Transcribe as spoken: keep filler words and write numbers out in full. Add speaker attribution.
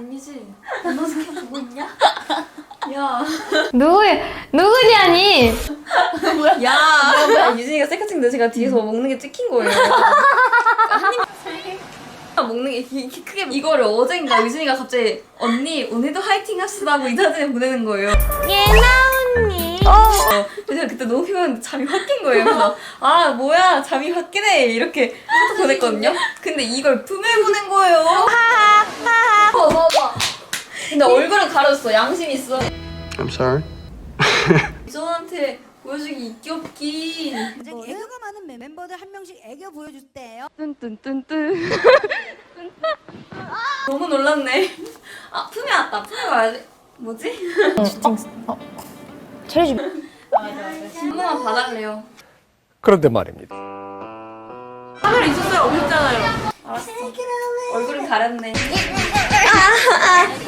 Speaker 1: 아니지? 너 스캔 보고 있냐? 야.
Speaker 2: 누구, 누구냐니?
Speaker 1: 뭐야? 야. 뭐야, 뭐야. 유진이가 셀카 찍는데 제가 뒤에서 먹는 게 찍힌 거예요. 한 입. 먹는 게 이렇게 크게 이거를 어젠가 유진이가 갑자기 언니 오늘도 화이팅 합시다고 인사드림 보내는 거예요.
Speaker 2: 예나 언니.
Speaker 1: 어. 그래서 그때 너무 피곤했는데 잠이 확 깬 거예요. 그래서 아 뭐야 잠이 확 깨네 이렇게 카톡 보냈거든요. 근데 이걸 품에 보낸 거예요. 하하하. 봐봐. 근데 얼굴은 가려졌어. 양심 있어.
Speaker 3: I'm sorry.
Speaker 1: 유전한테 보여주기 있기 없기.
Speaker 4: 굉장히 애교가 많은 멤버들 한 명씩 애교 보여주세요.
Speaker 1: 뚠뚠뚠뚠. 너무 놀랐네. 아 품에 왔다. 품에 와야지. 뭐지?
Speaker 2: 어, 차례 좀.
Speaker 1: 한 번만 봐달래요.
Speaker 5: 그런데 말입니다.
Speaker 1: 카메라 있었어요? 없었잖아요. 알았어. 얼굴은 가렸네.